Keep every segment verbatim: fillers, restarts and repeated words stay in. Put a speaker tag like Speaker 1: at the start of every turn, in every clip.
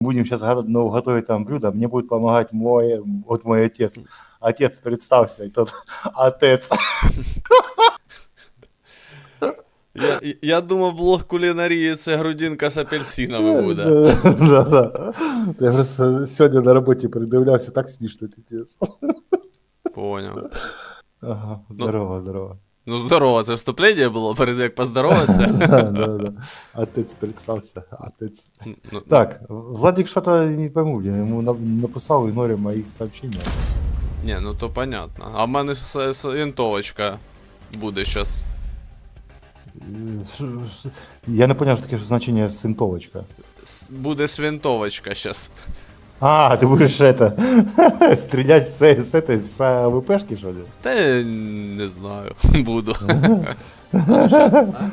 Speaker 1: будем сейчас ну, готовить там блюдо, мне будет помогать мой, вот мой отец. Отец, представься, и тот отец.
Speaker 2: Я, я думав, блог кулінарії це грудинка з апельсинами буде.
Speaker 1: Да, да. Я просто сегодня на работе придивлявся, так смішно, пипец.
Speaker 2: Поняв.
Speaker 1: Ага, здорово, здорово.
Speaker 2: Ну здорово, це вступлення було, перед як поздороватися.
Speaker 1: Да, да, да. Отец, представься, отец.
Speaker 2: Ну,
Speaker 1: Так, Владик что-то не пойму, блин, ему на- написал игноре моих сообщений.
Speaker 2: ні, ну то понятно. А в мене с- с- винтовочка буде щас.
Speaker 1: Э, ш- ш- Я не понял, что таке значение синтовочка.
Speaker 2: С- Буде свинтовочка щас.
Speaker 1: А, ты будешь это, стрелять с, с этой, с АВПшки, что ли?
Speaker 2: Та я не знаю, буду. А, щас, а?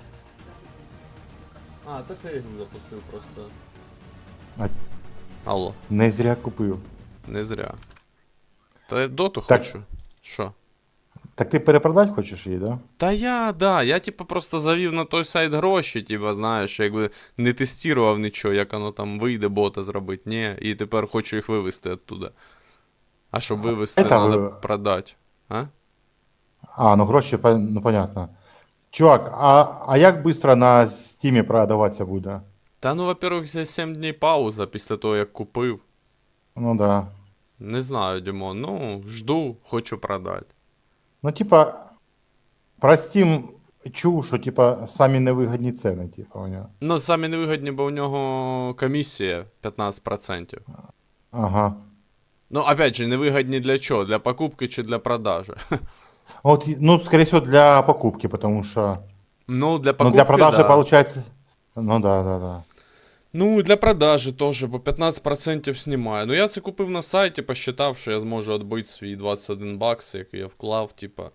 Speaker 2: А, та це я його запустив просто.
Speaker 1: А-
Speaker 2: Алло,
Speaker 1: Не зря купив.
Speaker 2: не зря. Та я доту
Speaker 1: Так.
Speaker 2: хочу. Що?
Speaker 1: Так ти перепродати хочеш її, да?
Speaker 2: Та я, да, я типу просто завів на той сайт гроші, типу, знаєш, якби не тестував нічого, як воно там вийде бота зробити, ні, і тепер хочу їх вивезти оттуда. А щоб вивезти,
Speaker 1: це
Speaker 2: треба
Speaker 1: ви-
Speaker 2: продати. А?
Speaker 1: А, ну гроші, пон- ну понятно. Чувак, а, а як швидко на Steam продаватися буде?
Speaker 2: Та ну, во-первых, за сім днів пауза після того, як купив.
Speaker 1: Ну да.
Speaker 2: Не знаю, Дімон, ну, жду, хочу продати.
Speaker 1: Ну, типа, про Steam чув, що типа самі невигідні ціни, типа, у нього.
Speaker 2: Ну, самі невигідні, бо у нього комісія п'ятнадцять відсотків.
Speaker 1: Ага.
Speaker 2: Ну, опять же, невигідні для чого? Для покупки чи для продажі?
Speaker 1: Вот, ну, скорее всего, для покупки, потому что...
Speaker 2: Ну, для
Speaker 1: Ну,
Speaker 2: покупки,
Speaker 1: для продажи
Speaker 2: да.
Speaker 1: получается... Ну, да, да, да.
Speaker 2: Ну, для продажі теж, бо п'ятнадцять відсотків знімає. Ну, я це купив на сайті, посчитав, що я зможу відбити свій двадцять один бакс, який я вклав, типа.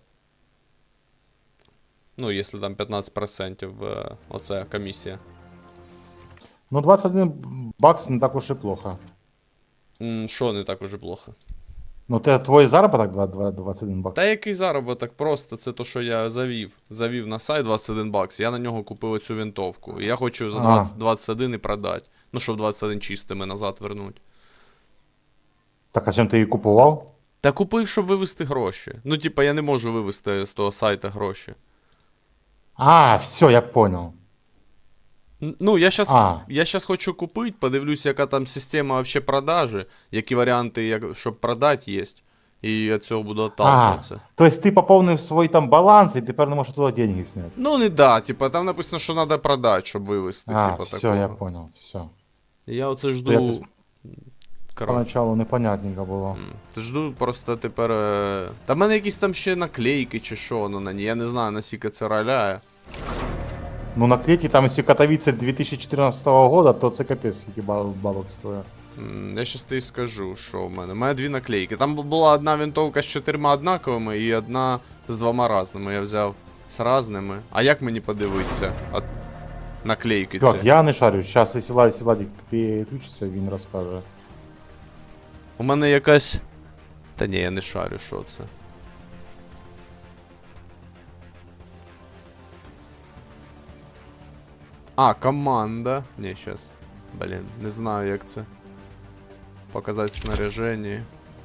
Speaker 2: Ну, якщо там п'ятнадцять відсотків е, оце комісія.
Speaker 1: Ну, двадцать один бакс не так уж и плохо.
Speaker 2: М, Що не так уже плохо?
Speaker 1: Ну, ты, твой заработок два- два- двадцать один бакс?
Speaker 2: Та який заробіток, просто це то, що я завів. Завів на сайт двадцять один бакс, я на нього купив оцю винтовку. І я хочу за
Speaker 1: А.
Speaker 2: двадцять, двадцять один і продати. Ну, щоб двадцять один чистими назад вернуть.
Speaker 1: Так, а чим ти її купував?
Speaker 2: Та купив, щоб вивести гроші. Ну, типа, я не можу вивести з того сайта гроші.
Speaker 1: А, все, я понял.
Speaker 2: Н- Ну, я щас,
Speaker 1: А.
Speaker 2: я щас хочу купити, подивлюсь, яка там система вообще продажі, які варіанти, як, щоб продати, є. І від цього буду
Speaker 1: А,
Speaker 2: отталкиватися.
Speaker 1: то есть ты пополнив свой там баланс, и тепер не можеш туди деньги снять.
Speaker 2: Ну, не да, типа, там написано, що треба продати, щоб вивести,
Speaker 1: А,
Speaker 2: типа,
Speaker 1: все,
Speaker 2: такого.
Speaker 1: я понял, все.
Speaker 2: І я оце
Speaker 1: То
Speaker 2: жду.
Speaker 1: якось
Speaker 2: Коротше.
Speaker 1: Поначалу непонятненько було.
Speaker 2: м, Ти жду просто тепер. е, Та в мене якісь там ще наклейки чи що воно на ній. Я не знаю, наскільки це роляє.
Speaker 1: Ну, наклейки там, если Катовице две тысячи четырнадцатого года, то це капець, скільки баб- бабок стоїть.
Speaker 2: М, Я щас тобі скажу, що в мене. У мене дві наклейки. Там бу- була одна винтовка з чотирма однаковими і одна з двома різними. Я взяв з різними. А як мені подивитися? От наклейки ці.
Speaker 1: Так, я не шарю. Зараз, якщо Владик, якщо Владик підключиться, він розкаже.
Speaker 2: У мене якась. Та ні, я не шарю, що це. А, команда. Ні, щас. Блін, не знаю, як це. Показати снаряження.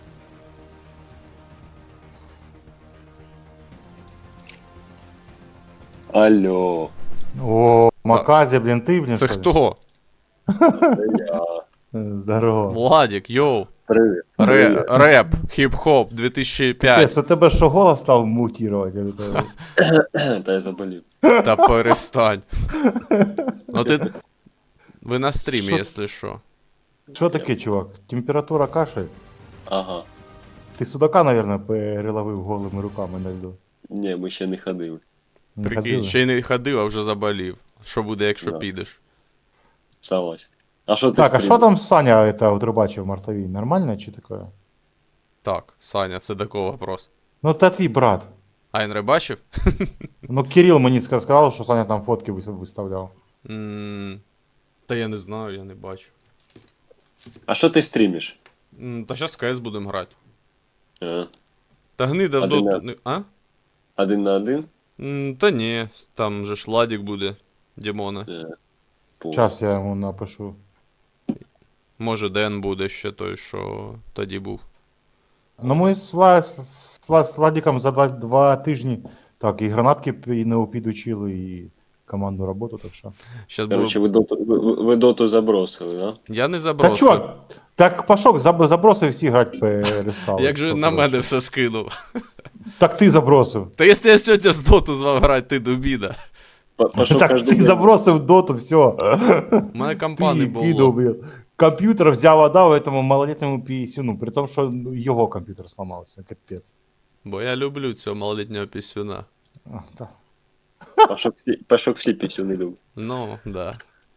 Speaker 3: Алло,
Speaker 1: О, Маказі, блін, ти, блін,
Speaker 2: Це
Speaker 1: що ли?
Speaker 2: хто?
Speaker 3: це я.
Speaker 1: Е, Здорово.
Speaker 2: Владик, йоу.
Speaker 3: Привіт.
Speaker 2: Ре-
Speaker 3: Привіт.
Speaker 2: реп, хіп-хоп, дві тисячі п'ять.
Speaker 1: Капець, у тебе що, голос став мутувати? Я такий,
Speaker 3: Та я заболів.
Speaker 2: Та перестань. Ну ти. Ви на стрімі,
Speaker 1: Що?
Speaker 2: якщо що.
Speaker 1: Що таке, чувак? Температура кашель?
Speaker 3: Ага.
Speaker 1: Ти судака, наверное, переловив голими руками на льду.
Speaker 3: Ні, ми ще не ходили.
Speaker 1: Не
Speaker 2: Прикинь,
Speaker 1: ходили?
Speaker 2: ще й не ходив, а вже заболів. Що буде, якщо
Speaker 3: Да.
Speaker 2: підеш?
Speaker 3: Согласен. А що ти
Speaker 1: Так, а
Speaker 3: стрімиш?
Speaker 1: що там Саня это, от рибачив в Мартовій? Нормально чи таке?
Speaker 2: Так, Саня, це до кого вопрос?
Speaker 1: Ну, це твій брат.
Speaker 2: А він рибачив?
Speaker 1: Ну, Кирил мені сказав, що Саня там фотки вис- виставляв.
Speaker 2: М, Та я не знаю, я не бачу.
Speaker 3: А що ти стрімиш?
Speaker 2: М, Та зараз в КС будемо грати.
Speaker 3: А,
Speaker 2: Та гнида
Speaker 3: Один
Speaker 2: до.
Speaker 3: на-
Speaker 2: не- А?
Speaker 3: один на один?
Speaker 2: М, Та ні, там же ж Ладік буде, Дімона.
Speaker 3: Е, пу.
Speaker 1: Зараз я йому напишу.
Speaker 2: Може, Ден буде ще той, що тоді був.
Speaker 1: Ну ми з, Вла... з, Вла... з Владиком за два, два тижні так, і гранатки п- і не підучили, і командну роботу, так що.
Speaker 2: Щас було...
Speaker 3: Короче, ви доту, ви, ви- ви доту забросили, да?
Speaker 2: Я не
Speaker 1: Так,
Speaker 2: забросив.
Speaker 1: чувак, так Пашок заб... забросив, всі грати перестали.
Speaker 2: Як же
Speaker 1: Що
Speaker 2: на
Speaker 1: ти
Speaker 2: мене
Speaker 1: робиш?
Speaker 2: все скинув.
Speaker 1: Так ти забросив.
Speaker 2: Та якщо я сьогодні з доту з вами грати, ти дубіда.
Speaker 3: П- Пошел
Speaker 1: Так
Speaker 3: каждый
Speaker 1: ти
Speaker 3: день.
Speaker 1: забросив доту, все.
Speaker 2: У мене
Speaker 1: Ти
Speaker 2: компани
Speaker 1: кидав,
Speaker 2: було.
Speaker 1: блін. Комп'ютер взяв, отдав этому малолетньому пісюну, при тому, що ну, його комп'ютер сломався, капець.
Speaker 2: Бо я люблю цього малолітнього пісюна.
Speaker 1: А, та.
Speaker 3: Пашок, всі- Пашок всі пісюни любить.
Speaker 2: Ну, да.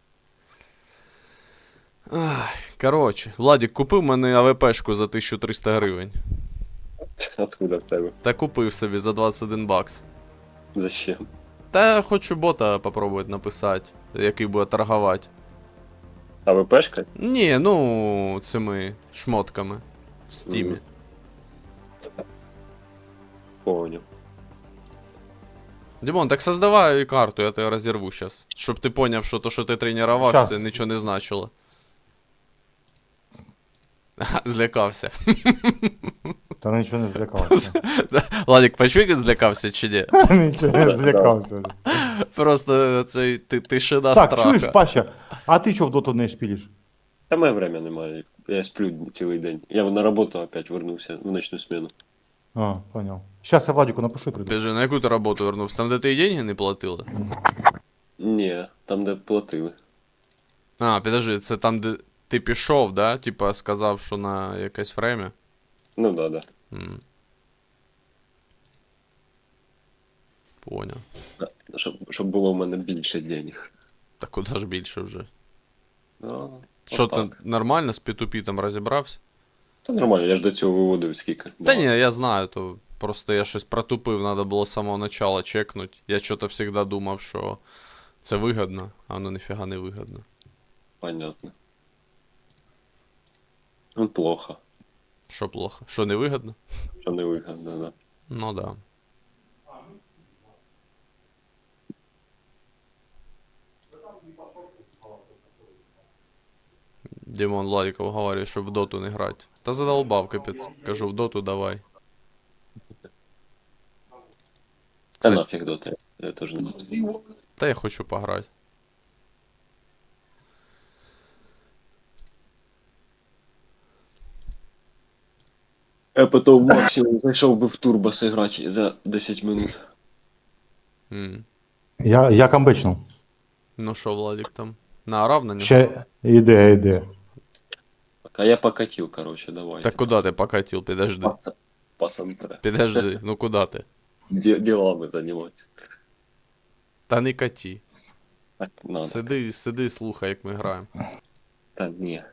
Speaker 2: Ай, коротше, Владик купив мене АВПшку за тисячу триста гривень.
Speaker 3: Откуда в тебе?
Speaker 2: Та купив собі за двадцять один бакс.
Speaker 3: Зачем?
Speaker 2: Та хочу бота попробувати написати, який буде торгувати.
Speaker 3: А ВПшка?
Speaker 2: Ні, ну, цими шмотками в стімі.
Speaker 3: Мгм. Понял.
Speaker 2: Дімон, так создавай карту, я тебе розірву зараз. Щоб ти поняв, що то, що ти тренувався,
Speaker 1: Щас.
Speaker 2: нічого не значило. Ага, злякався.
Speaker 1: Та нічого не злякався.
Speaker 2: Владик, почув, як злякався чи ні?
Speaker 1: Нічого не злякався.
Speaker 2: Просто цей ти- тишина
Speaker 1: Так,
Speaker 2: страха.
Speaker 1: чуєш, Паша, а ти чого в доту не шпілиш?
Speaker 3: Та мене время немає. Я сплю цілий день. Я на роботу опять вернувся в ночну смену.
Speaker 1: А, понял. Сейчас я Владику напишу и приду.
Speaker 2: Біжи, на яку ти роботу вернувся? Там, де ти і деньги не платили?
Speaker 3: Ні, там де платили.
Speaker 2: А, підожди, це там, де ти пішов, да? Типа сказав, що на якесь время?
Speaker 3: Ну да, да.
Speaker 2: М. Поняв.
Speaker 3: Щоб, щоб було в мене більше денег.
Speaker 2: Та куди ж більше вже?
Speaker 3: Ну,
Speaker 2: Що ти
Speaker 3: отак.
Speaker 2: нормально з пі ту пі там розібрався?
Speaker 3: Та нормально, я ж до цього виводив скільки.
Speaker 2: Та ні, я знаю, то просто я щось протупив, треба було з самого начала чекнути. Я що-то завжди думав, що це вигідно, а воно ніфіга не вигідно.
Speaker 3: Понятно. Ну, плохо,
Speaker 2: Що плохо? Що не вигідно?
Speaker 3: що не вигідно, да.
Speaker 2: Ну да. Дімон Владиков говорить, що в доту не грати. Та задолбав, капець. Кажу, в доту давай.
Speaker 3: Та
Speaker 2: Це-
Speaker 3: нафіг доти. Я теж не буду.
Speaker 2: Та я хочу пограти.
Speaker 3: Я потім максимум зайшов би в турбо зіграти за десять минут.
Speaker 2: М.
Speaker 1: Я, я камбечнув.
Speaker 2: Ну що, Владик там? Наорав на нього?
Speaker 1: Ще іде, іде.
Speaker 3: А я покатил, короче, давай.
Speaker 2: Так куди ти покатив? Підожди.
Speaker 3: Пацан, пацан, тре.
Speaker 2: Підожди, ну куди ти?
Speaker 3: Де- Делами заниматься.
Speaker 2: Та не каті.
Speaker 3: Так, надо.
Speaker 2: Сиди, сиди, слухай, як ми граємо.
Speaker 3: Та ні,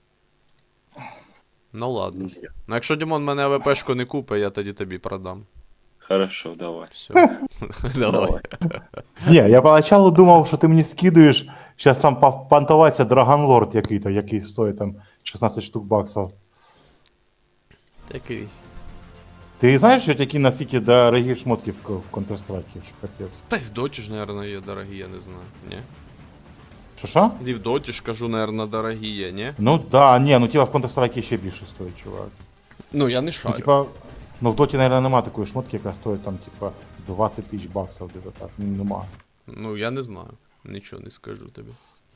Speaker 2: Ну ладно.
Speaker 3: нельзя.
Speaker 2: Ну якщо Дімон мене АВПшку не купить, я тоді тобі продам.
Speaker 3: Хорошо, давай.
Speaker 2: Все. Давай.
Speaker 1: Ні, я поначалу думав, що ти мені скидуєш, зараз там пов- понтуватися Драгонлорд який-то, який стоїть там шістнадцять штук баксів.
Speaker 2: Якийсь.
Speaker 1: Ти знаєш, що які наскільки дорогі шмотки в, в Counter-Strike, що капець?
Speaker 2: Та й в доті ж, наверное, є дорогі, я не знаю. Ні?
Speaker 1: Що що?
Speaker 2: І в доті ж кажу, наверное, дорогі є, ні?
Speaker 1: Ну да, ні, ну типа в Counter-Strike ще більше стоїть, чувак.
Speaker 2: Ну я не
Speaker 1: Ну,
Speaker 2: шарю.
Speaker 1: типа, ну в доті, наверное, нема такої шмотки, яка стоїть там, типа, двадцять тисяч баксів, где-то так. Ну, нема.
Speaker 2: Ну я не знаю. Нічого не скажу тобі.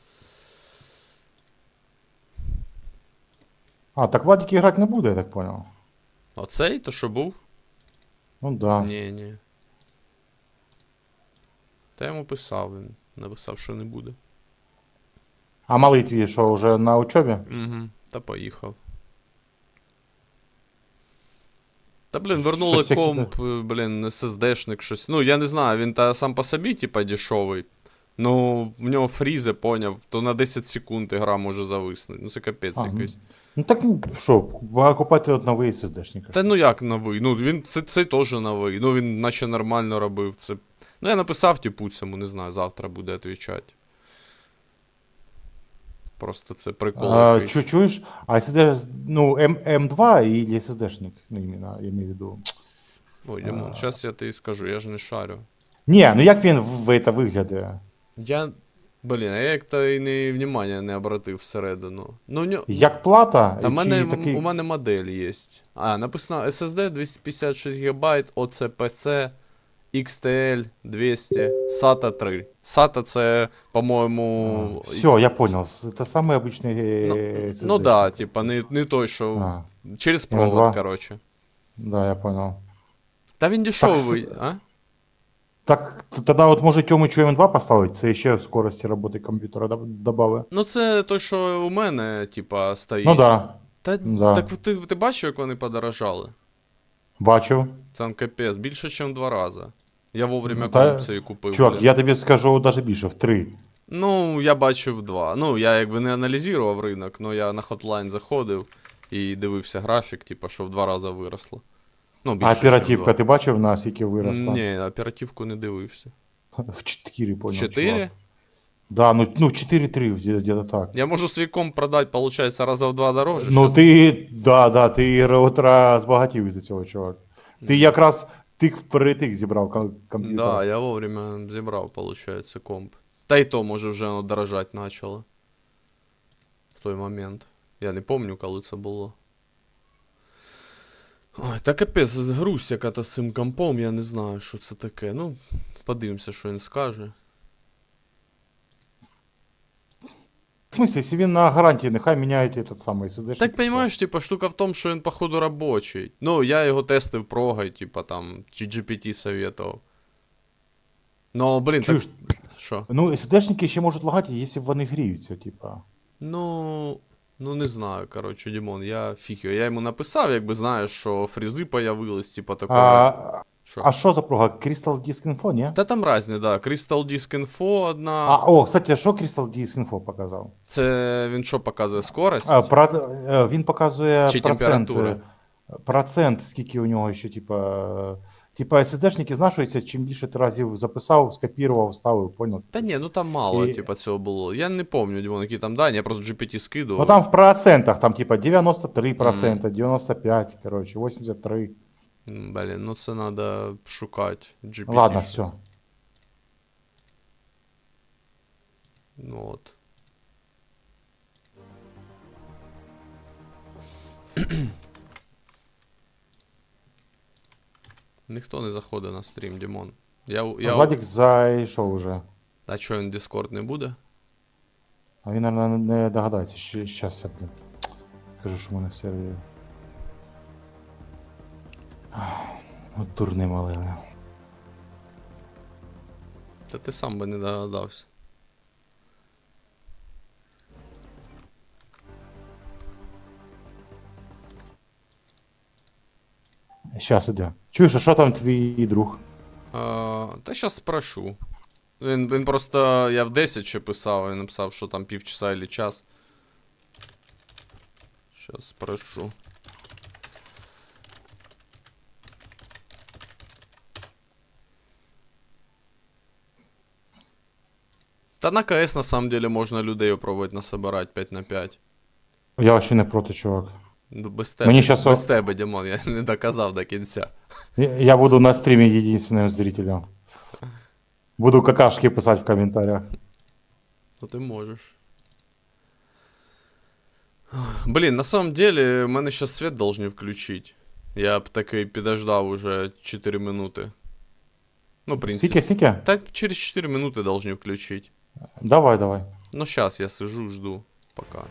Speaker 1: А, так Владик грати не буде, я так понял.
Speaker 2: Оцей, то що був?
Speaker 1: Ну да.
Speaker 2: Ні, ні. Та я йому писав, він написав, що не буде.
Speaker 1: А малий твій, що, вже на учебі?
Speaker 2: Угу. Та поїхав. Та блін, вернули
Speaker 1: Щось яке-
Speaker 2: комп, е, блін, ес ес дешник, щось. Ну, я не знаю, він та сам по собі, типа, дешевий. Ну, в нього фрізи, поняв, то на десять секунд ігра може зависнути. Ну це капець
Speaker 1: А, ну,
Speaker 2: якийсь.
Speaker 1: Ну так, ну, що, ви купати от новий ес ес дешник.
Speaker 2: Та ну як новий? Ну він це, це теж новий. Ну він наче нормально робив. Це. Ну я написав типу цьому, не знаю, завтра буде відповідати. Просто це прикол
Speaker 1: А,
Speaker 2: якийсь.
Speaker 1: чу, чуєш? А ес ес ді, ну, М, М2 или ес ес дешник? Ну, іменно, я маю в виду.
Speaker 2: Ой, Дімон, зараз я тобі скажу, я ж не шарю.
Speaker 1: Ні, ну як він в, в це виглядає?
Speaker 2: Я. Блін, а я як-то і не внимання не обратив всередину. Ну, у нього...
Speaker 1: Як плата,
Speaker 2: Та в мене,
Speaker 1: чи такий...
Speaker 2: у мене модель є. А, написано ес ес ді двісті п'ятдесят шість гігабайт, о це пе це, ікс ті ель двісті, сата три. сата це, по-моєму...
Speaker 1: Все, я понял. Это самый обычный
Speaker 2: Ну,
Speaker 1: э,
Speaker 2: ну
Speaker 1: SSD.
Speaker 2: да, типа, не, не той, що
Speaker 1: А,
Speaker 2: через
Speaker 1: ем два.
Speaker 2: провод, короче.
Speaker 1: да, я понял.
Speaker 2: Та він дешевий,
Speaker 1: с-
Speaker 2: а?
Speaker 1: Так, т- тогда вот може Тьомичу ем два поставити, це ще скорості роботи комп'ютера доб- добавить.
Speaker 2: Ну це той, що у мене, типа, стоїть.
Speaker 1: Ну да,
Speaker 2: Та,
Speaker 1: да.
Speaker 2: Так ти, ти бачив, як вони подорожали?
Speaker 1: бачив.
Speaker 2: Там капець, більше, ніж в два рази. Я вовремя
Speaker 1: Та-
Speaker 2: комп цей купив.
Speaker 1: Чувак,
Speaker 2: блін.
Speaker 1: я тобі скажу навіть більше, в три.
Speaker 2: Ну, я бачив два. Ну, я якби не аналізував ринок, але я на Hotline заходив і дивився графік, типу, що в два рази виросло. Ну,
Speaker 1: А
Speaker 2: більше,
Speaker 1: оперативка,
Speaker 2: чим
Speaker 1: ти бачив наскільки
Speaker 2: в два.
Speaker 1: виросла?
Speaker 2: Ні, оперативку не дивився.
Speaker 1: В чотири, понял.
Speaker 2: Чотири?
Speaker 1: чувак. Да, ну, ну чотири три, где-то так.
Speaker 2: Я можу свій комп продати, виходить, раза в два дороже.
Speaker 1: Ну
Speaker 2: щас.
Speaker 1: ти, да, да, ти утра збагатів із-за цього, чувак. Ти якраз тик вперед зібрав ком- комп'ютер.
Speaker 2: Да, я вовремя зібрав, виходить, комп. Та й то, може, вже воно дорожати почало. В той момент. Я не пам'ятаю, коли це було. Ой, та капець, грусть яка-то з цим компом, я не знаю, що це таке. Ну, подивимося, що він скаже.
Speaker 1: В смысле, якщо він на гарантії, нехай міняють этот самий ес ес ді.
Speaker 2: Так, понимаешь, типа, штука в тому, що він, походу, робочий. Ну, я його тестив прогай, типа, там, чи джі пі ті советував. Ну, блін,
Speaker 1: Чуєш,
Speaker 2: так... Що?
Speaker 1: ну ес ес ді-шники ще можуть лагати, якщо вони гріються, типа.
Speaker 2: Ну, ну не знаю, коротше, Дімон, я фіг його. Я йому написав, якби знаєш, що фрізи появились, типа такого.
Speaker 1: А,
Speaker 2: Що?
Speaker 1: а що за прога? Crystal Disk Info, ні?
Speaker 2: Та там разні, да. Crystal Disk Info одна.
Speaker 1: А, о, кстати, що Crystal Disk Info показав?
Speaker 2: Це він що показує скорость?
Speaker 1: А, про, е, він показує
Speaker 2: Чи
Speaker 1: процент,
Speaker 2: температура?
Speaker 1: е, процент, скільки у нього ще, типа, е, типа ес ес ді-шники знашуються, чим більше ти разів записав, скопірував, ставив, понял?
Speaker 2: Та ні, ну там мало,
Speaker 1: І-
Speaker 2: типа, цього було. Я не пам'ятаю, Дімон, які там дані, я просто джі пі ті скидував.
Speaker 1: Ну там в процентах, там типа девяносто три процента, девяносто пять, короче, восемьдесят три.
Speaker 2: М, Блін, ну це треба шукати. джі пі ті.
Speaker 1: Ладно, все.
Speaker 2: Ну от. Ніхто не заходить на стрім, Дімон. Я, я...
Speaker 1: Владик зайшов уже.
Speaker 2: А що, він Discord не буде?
Speaker 1: А він, наверное, не догадається. Щ- Щас я, блін. Кажу, що в мене сервер. От дурний малий. бля.
Speaker 2: Та ти сам би не догадався.
Speaker 1: Щас іде. Чуєш, а що там твій друг?
Speaker 2: А, та щас спрошу. Він, він просто, я в десять ще писав, він написав, що там півчаса или час. Щас спрошу. Та на КС на самом деле можна людей опробувати насобирати п'ять на п'ять.
Speaker 1: Я вообще не проти, чувак.
Speaker 2: Ну, без тебе,
Speaker 1: Мені щас
Speaker 2: без
Speaker 1: о-
Speaker 2: тебе, Дімон, я не доказав до кінця.
Speaker 1: Я я буду на стрімі єдинственним зрителем. Буду какашки писати в коментарях.
Speaker 2: Ну ти можеш. Блін, на самом деле, мене сейчас свет должны включить. Я б таки підождав уже чотири минути. Ну, в принципі.
Speaker 1: Скільки, скільки?
Speaker 2: Та через чотири минути должны включить.
Speaker 1: Давай, давай.
Speaker 2: Ну, сейчас я сижу, жду. Пока.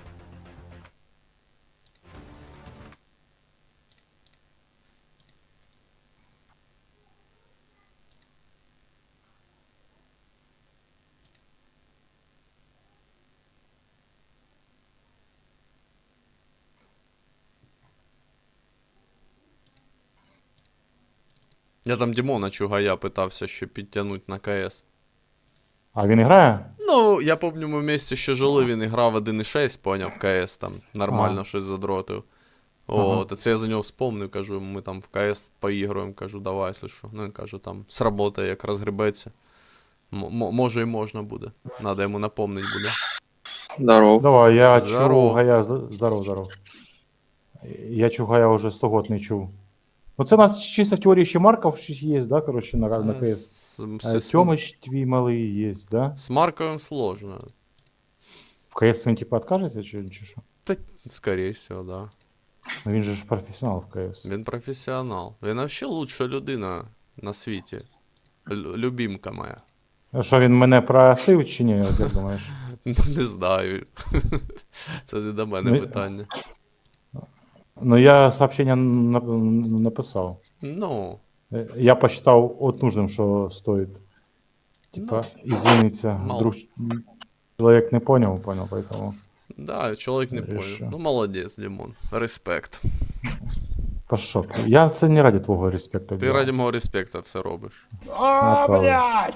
Speaker 2: Я там Дімона Чугая питався ще підтягнути на КС.
Speaker 1: А він грає?
Speaker 2: Ну, я помню, ми вместе ще жили, він грав один і шість, поняв, КС там, нормально
Speaker 1: Ага.
Speaker 2: щось задротив.
Speaker 1: Ага.
Speaker 2: От, і це я за нього вспомнив, кажу, ми там в КС поігруємо, кажу, давай, якщо що. Ну, він каже, там, сработає, як розгребеться. М- м- може і можна буде. Надо йому напомнити буде.
Speaker 3: Здоров.
Speaker 1: Давай, я
Speaker 2: Здорово.
Speaker 1: Чугая, з- здоров, здоров. Я Чугая вже сто год не чув. Ну це у нас чисто в теорії ще Марков ще є, да, коротше, на, на
Speaker 2: Та,
Speaker 1: КС.
Speaker 2: с- С,
Speaker 1: Э,
Speaker 2: с,
Speaker 1: Тёмыч твій малий є, да?
Speaker 2: с Марковым сложно.
Speaker 1: В КС він типа откажеться чи, чи що?
Speaker 2: Та, скорее всего, да.
Speaker 1: Ну він же ж професіонал в КС.
Speaker 2: Він професіонал. Він вообще лучша людина на світі. Лю- любімка моя.
Speaker 1: А що він мене простив чи ні, як думаєш?
Speaker 2: Ну, не знаю. Це не до мене
Speaker 1: Ну,
Speaker 2: питання.
Speaker 1: Ну я сообщення нап- написав.
Speaker 2: Ну,
Speaker 1: Э, Я посчитал от нужным, что стоит. Типа, извиниться.
Speaker 2: мало.
Speaker 1: Вдруг человек не понял, понял, поэтому
Speaker 2: да, чоловік не понял.
Speaker 1: Решил.
Speaker 2: Ну, молодець, Дімон. Респект.
Speaker 1: пошел. Я це не ради твого респекта.
Speaker 2: Ти раді мого респекта все робиш.
Speaker 1: А, блядь!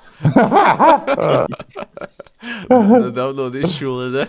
Speaker 2: Давно не чули, да?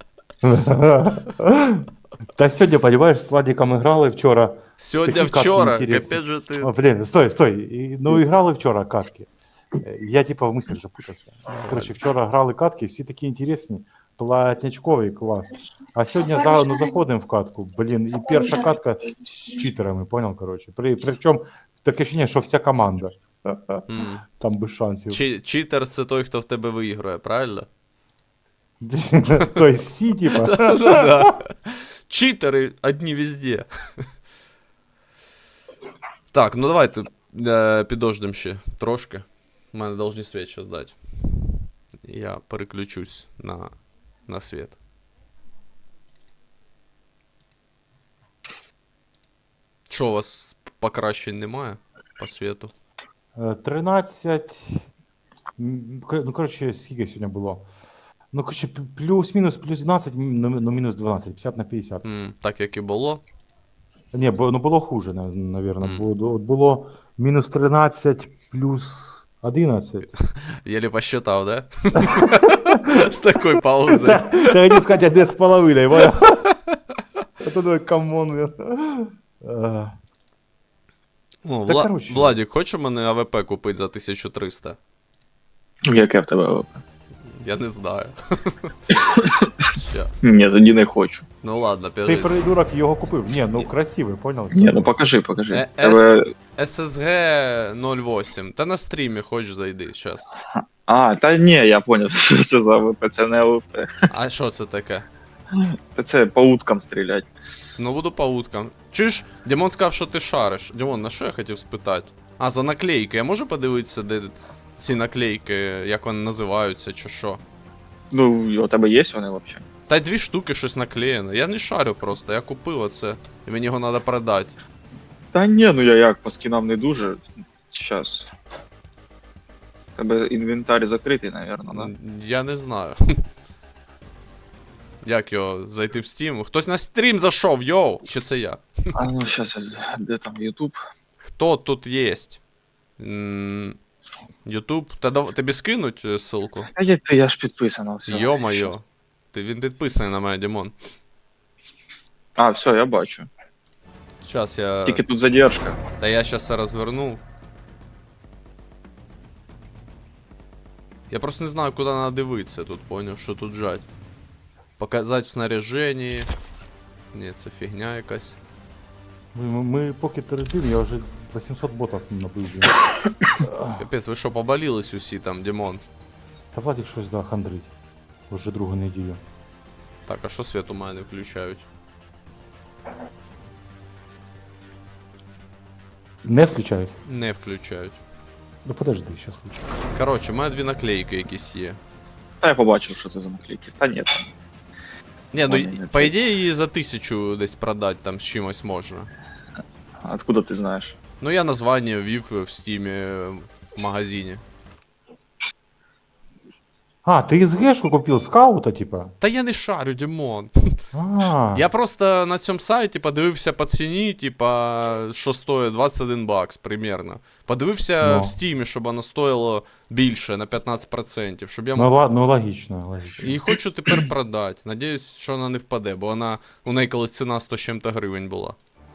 Speaker 1: Та сьогодні, понимаешь, з Владиком играли вчора.
Speaker 2: Сьогодні,
Speaker 1: Такі катки
Speaker 2: вчора,
Speaker 1: інтересні.
Speaker 2: капець же ти.
Speaker 1: О, блин, стой, стой. І- Ну, играли вчора катки. Е, Я типа в мыслях запутався. Короче, вчора грали катки, всі такі інтересні, платнячкові, клас. А сьогодні за, ну, заходимо в катку, блін, і перша катка з читерами, понял, короче. При, причому таке ощущение, що вся команда.
Speaker 2: М.
Speaker 1: Там без шансів.
Speaker 2: Чи- Читер це той, хто в тебе виіграє, правильно?
Speaker 1: Тобто всі, типа.
Speaker 2: Да. Читери одні везде. Так, ну давайте е, підождемо ще трошки. У мене должны світ зараз дати. Я переключусь на, на світ. Що, у вас покращень немає по світу?
Speaker 1: Е, тринадцять. м, к- Ну, коротше, скільки сьогодні було? Ну, коротше, п- плюс-мінус, плюс дванадцять, м, ну, ну, мінус дванадцять, п'ятдесят на п'ятдесят.
Speaker 2: М, так як і було.
Speaker 1: Ні, бо, ну було хуже, на- наверно.
Speaker 2: Мгм.
Speaker 1: Було, от було мінус тринадцять, плюс одинадцять.
Speaker 2: Єлі посчитав, да? З такою паузою.
Speaker 1: Та хотів сказати, де з половиною, понял? А то думаю, камон, блін. Е,
Speaker 2: Ну,
Speaker 1: Та,
Speaker 2: Вла...
Speaker 1: коротше.
Speaker 2: Владік, хочеш у мене АВП купити за тисячу триста?
Speaker 4: Яке в тебе АВП?
Speaker 2: Я не знаю. Щас.
Speaker 4: Ні, тоді не хочу.
Speaker 2: Ну ладно,
Speaker 1: Цей
Speaker 2: підожди.
Speaker 1: придурок його купив. Ні, ну красивий, понял?
Speaker 4: Ні, ну покажи, покажи.
Speaker 2: Е,
Speaker 4: Тебе...
Speaker 2: ес ес ге нуль вісім. Та на стрімі хочеш зайди, щас.
Speaker 4: А, та ні, я поняв, що це за АВП, це не АВП.
Speaker 2: А що це таке?
Speaker 4: Та це по уткам стрілять.
Speaker 2: Ну буду по уткам. Чуєш, Дімон сказав, що ти шариш. Дімон, на що я хотів спитати? А, за наклейки. Я можу подивитися, де ці наклейки, як вони називаються, чи що?
Speaker 4: Ну, у тебе є вони взагалі?
Speaker 2: Та й дві штуки щось наклеєне. Я не шарю просто, я купив оце. І мені його треба продати.
Speaker 4: Та ні, ну я як, по скінам не дуже. Щас. У тебе інвентар закритий, напевно, да?
Speaker 2: М, Я не знаю. Як його зайти в Steam? Хтось на стрім зайшов, йоу! Чи це я?
Speaker 4: А ну щас, я- де там Ютуб?
Speaker 2: Хто тут єсть? Ютуб. Та дав- тобі скинуть е, ссылку?
Speaker 4: Та як ти, я ж підписано, все.
Speaker 2: Йо-моє. Ти він підписаний на мене, Дімон.
Speaker 4: А, все, я бачу.
Speaker 2: Зараз я.
Speaker 4: Тільки тут задержка.
Speaker 2: Та я зараз це розверну. Я просто не знаю, куди треба дивитися тут, поняв, що тут жать. Показати в снаряженні. Ні, це фігня якась.
Speaker 1: Ми, ми поки терпимо, я вже вісімсот ботів набив. блін.
Speaker 2: Капець, ви що, поболілись усі там, Дімон?
Speaker 1: Та Владик щось, да, хандрить. Уже другу неділю.
Speaker 2: Так, а що світ у мене не включають?
Speaker 1: Не включають?
Speaker 2: Не включають.
Speaker 1: Ну подожди, щас включу.
Speaker 2: Коротше, у мене дві наклейки якісь є.
Speaker 4: Та я побачив, що це за наклейки. Та ні.
Speaker 2: Ні, ну
Speaker 4: Ой, не
Speaker 2: по
Speaker 4: це.
Speaker 2: ідеї її за тисячу десь продати там з чимось можна.
Speaker 4: Откуда ти знаєш?
Speaker 2: Ну я названня ввів в стімі е, в магазині.
Speaker 1: А, ти СГшку купив скаута, типа?
Speaker 2: Та я не шарю, Дімон.
Speaker 1: А,
Speaker 2: Я просто на цьому сайті подивився по ціні, типа, що стоїть двадцять один бакс примерно. Подивився
Speaker 1: Ну.
Speaker 2: в стімі, щоб воно стоїло більше на п'ятнадцять відсотків, щоб я
Speaker 1: ну,
Speaker 2: мог.
Speaker 1: ла- ну логічно, логічно.
Speaker 2: І хочу тепер продати. Надіюсь, що вона не впаде, бо вона у неї колись ціна сто з чим-то гривень була.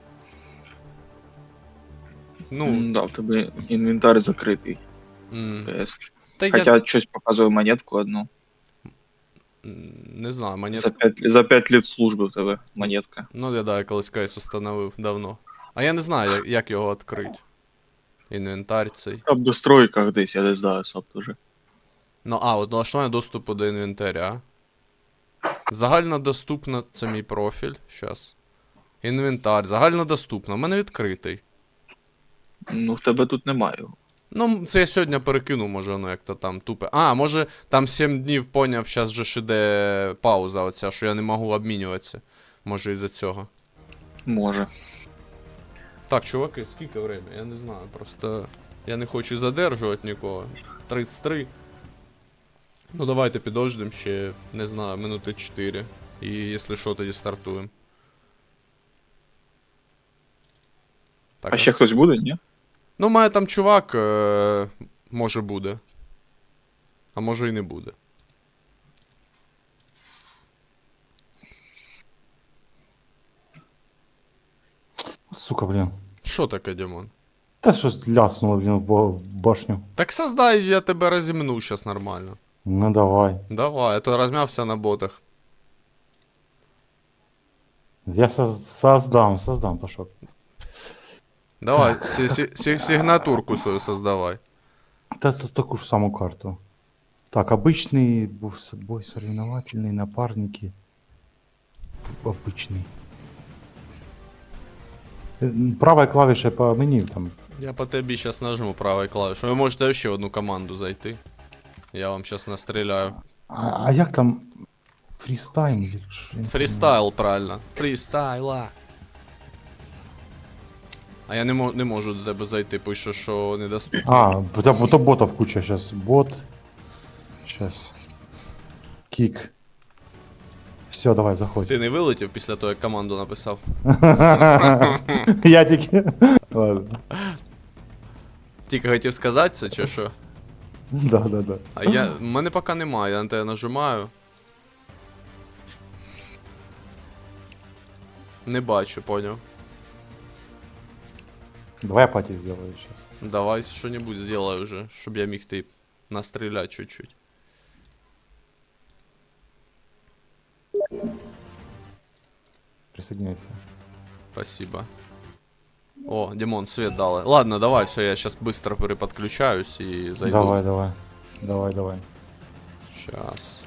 Speaker 2: Ну,
Speaker 4: Ну, да, в тебе інвентар закритий.
Speaker 2: м,
Speaker 4: ПС.
Speaker 2: та я
Speaker 4: Хоча щось показує монетку одну.
Speaker 2: м, не знаю, монет.
Speaker 4: За п'ять, за п'ять літ служби в тебе монетка.
Speaker 2: Ну, я да, я колись кейс установив давно. А я не знаю, як, як його відкрити. Інвентар цей.
Speaker 4: Там в достройках десь, я не знаю, сам теж.
Speaker 2: Ну, а, от налаштування доступу до інвентаря. Загальнодоступно, це мій профіль. Щас. Інвентар. Загальнодоступно. У мене відкритий.
Speaker 4: Ну, в тебе тут немає його.
Speaker 2: Ну, це я сьогодні перекинув, може, воно як-то там тупе. А, може, там сім днів поняв, щас же ж іде пауза оця, що я не можу обмінюватися. Може, із-за цього.
Speaker 4: Може.
Speaker 2: Так, чуваки, скільки время? Я не знаю. Просто я не хочу задержувати нікого. тридцять три. Ну давайте підождемо ще, не знаю, минути чотири. І якщо що, тоді стартуємо. Так,
Speaker 4: А ще хтось буде, ні?
Speaker 2: ну, має там чувак, е- може буде. А може і не буде.
Speaker 1: Сука, блін.
Speaker 2: Що таке, Дімон?
Speaker 1: Та щось ляснуло, блін, в бо- в башню.
Speaker 2: Так создай, я тебе розімну щас нормально.
Speaker 1: Ну давай.
Speaker 2: Давай, а то розмявся на ботах.
Speaker 1: Я сейчас создам, создам, пошел.
Speaker 2: Давай, сі- сі- сі- сигнатурку свою создавай.
Speaker 1: Да тут такую же самую карту. Так, обычный бо- с- бой соревновательный, напарники. Обычный. Э, Правой клавишей по меню там.
Speaker 2: Я по тобі зараз нажму правою клавішою. Ви можете ще в одну команду зайти. Я вам зараз настріляю.
Speaker 1: А, а як там фрістайл? или що? Я не
Speaker 2: Фрістайл, правильно. Фрістайла. А я не, мо- не можу до тебе зайти, пише, що недоступно.
Speaker 1: А, бо то, бо то ботов куча сейчас. Бот. Сейчас. Кик. Все, давай, заходь.
Speaker 2: Ти не вилетів після того, як команду написав?
Speaker 1: Я тільки. Ладно.
Speaker 2: Тільки хотів сказати це, чи що?
Speaker 1: Да, да, да.
Speaker 2: А я. В мене поки немає, я на тебе нажимаю. Не бачу, поняв.
Speaker 1: Давай я пати сделаю сейчас.
Speaker 2: Давай що-небудь сделай уже, щоб я міг ти настріляти чуть-чуть.
Speaker 1: Присоединяйся.
Speaker 2: Спасибо. О, Димон, свет дали. Ладно, давай, все, я сейчас быстро переподключаюсь и зайду.
Speaker 1: Давай, давай. Давай, давай.
Speaker 2: Сейчас.